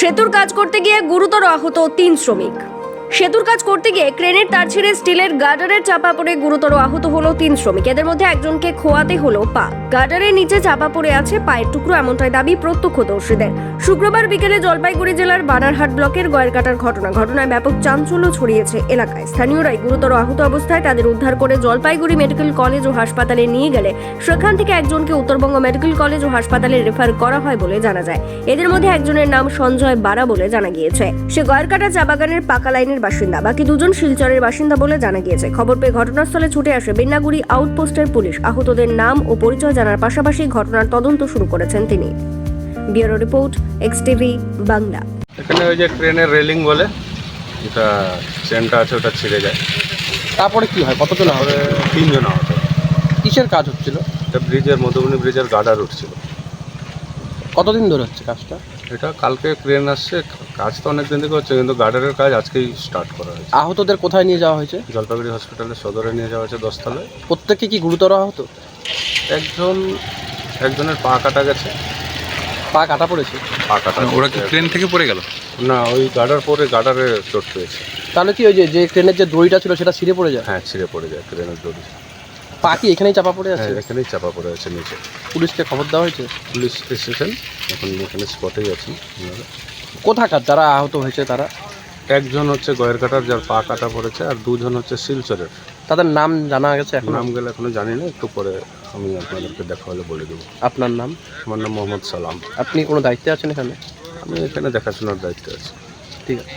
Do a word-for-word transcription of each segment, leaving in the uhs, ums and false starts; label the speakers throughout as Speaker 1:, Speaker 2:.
Speaker 1: সেতুর কাজ করতে গিয়ে গুরুতর আহত তিন শ্রমিক। সেতুর কাজ করতে গিয়ে ক্রেনের তার ছিঁড়ে স্টিলের গার্ডারের চাপা পড়ে গুরুতর আহত হলো তিন শ্রমিক। এদের মধ্যে একজনকে খোয়াতে হলো পা। গার্ডারের নিচে চাপা পড়ে আছে পায়ের টুকরো, এমনটাই দাবি প্রত্যক্ষদর্শীদের। শুক্রবার বিকেলে জলপাইগুড়ি জেলার বানারহাট ব্লকের গয়েরকাটার ঘটনা। ঘটনায় ব্যাপক চাঞ্চল্য ছড়িয়েছে এলাকায়। স্থানীয়রাই গুরুতর আহত অবস্থায় তাদের উদ্ধার করে জলপাইগুড়ি মেডিকেল কলেজ ও হাসপাতালে নিয়ে গেলে সেখান থেকে একজনকে উত্তরবঙ্গ মেডিকেল কলেজ ও হাসপাতালে রেফার করা হয় বলে জানা যায়। এদের মধ্যে একজনের নাম সঞ্জয় বারা বলে জানা গিয়েছে। সে গয়েরকাটা চা বাগানের পাকা লাইনের বাসিন্দা। বাকি দুজন শিলচরের বাসিন্দা বলে জানা গিয়েছে। খবর পেয়ে ঘটনাস্থলে ছুটে আসে বেন্নাগুড়ি আউটপোস্টের পুলিশ। আহতদের নাম ও পরিচয় জানার পাশাপাশি ঘটনার তদন্ত শুরু করেছেন তিনি। Bureau report, X TV Bangla.
Speaker 2: এখানে ওই যে ট্রেনের রেলিং বলে যেটা চেনটা আছে ওটা ছিঁড়ে যায়।
Speaker 3: তারপরে কি হয়? কতজন
Speaker 2: তারপরে
Speaker 3: হবে?
Speaker 2: তিনজন আহত।
Speaker 3: কিসের কাজ হচ্ছিল?
Speaker 2: এটা ব্রিজের মধুবনী ব্রিজের গার্ডার উঠছিল।
Speaker 3: কতদিন ধরে হচ্ছে কাজটা?
Speaker 2: এটা কালকে ক্রেন আসছে, কাজ তো অনেক দিন থেকে হচ্ছে, কিন্তু গার্ডারের কাজ আজকেই স্টার্ট করা হয়েছে।
Speaker 3: আহতদের কোথায় নিয়ে যাওয়া হয়েছে?
Speaker 2: জলপাইগুড়ি হসপিটালে সদরে নিয়ে যাওয়া হয়েছে দশতলায়।
Speaker 3: প্রত্যেকে কি গুরুতর আহত?
Speaker 2: একজন একজনের পা কাটা গেছে।
Speaker 3: পা কাটা পড়েছে?
Speaker 2: পা কাটা
Speaker 4: ওরা কি ট্রেন থেকে পড়ে গেল?
Speaker 2: না, ওই গার্ডার পরে গার্ডারে চোট পেয়েছে।
Speaker 3: তাহলে কি ওই যে যে ট্রেনের যে দড়িটা ছিল সেটা ছিঁড়ে পড়ে যায়?
Speaker 2: হ্যাঁ, ছিঁড়ে পড়ে যায় ট্রেনের দড়ি।
Speaker 3: পা কি এখানেই চাপা পড়ে আছে?
Speaker 2: হ্যাঁ, এখানেই চাপা পড়ে আছে নিচে।
Speaker 3: পুলিশকে খবর দেওয়া হয়েছে?
Speaker 2: পুলিশ এসেছেন, এখন এখানে স্পটেই আছি।
Speaker 3: কোথাকার যারা আহত হয়েছে তারা?
Speaker 2: একজন হচ্ছে গয়েরকাটার, যার পা কাটা পড়েছে, আর দুজন হচ্ছে শিলচরের।
Speaker 3: তাদের নাম জানা গেছে এখন?
Speaker 2: নাম গেলে এখনো জানি না, একটু পরে আমি আপনাদেরকে দেখা হলে বলে দেবো।
Speaker 3: আপনার নাম?
Speaker 2: আমার নাম মোহাম্মদ সালাম।
Speaker 3: আপনি কোনো দায়িত্বে আছেন এখানে?
Speaker 2: আমি এখানে দেখাশোনার দায়িত্বে আছি।
Speaker 3: ঠিক আছে।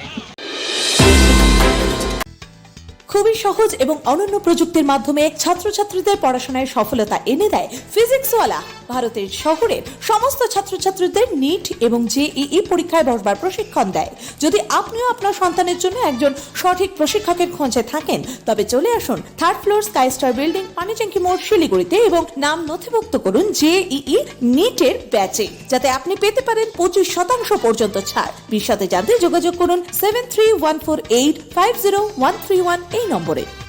Speaker 5: খুবই সহজ এবং অনন্য প্রযুক্তির মাধ্যমে ছাত্রছাত্রীদের পড়াশোনায় সফলতা এনে দেয় ফিজিক্সওয়ালা। ভারতের শহরের সমস্ত ছাত্রছাত্রীদের নিট এবং জেইই পরীক্ষায় বসবার প্রশিক্ষণ দেয়। যদি আপনিও আপনার সন্তানের জন্য একজন সঠিক প্রশিক্ষকের খোঁজে থাকেন, তবে চলে আসুন third floor Sky Star building, Panitanki মোড়, শিলিগুড়িতে এবং নাম নথিভুক্ত করুন জেইই নিটের ব্যাচে, যাতে আপনি পেতে পারেন পঁচিশ শতাংশ পর্যন্ত ছাড়। বিশদে জানতে যোগাযোগ করুন seven three one four eight five zero one three one এই নম্বরে।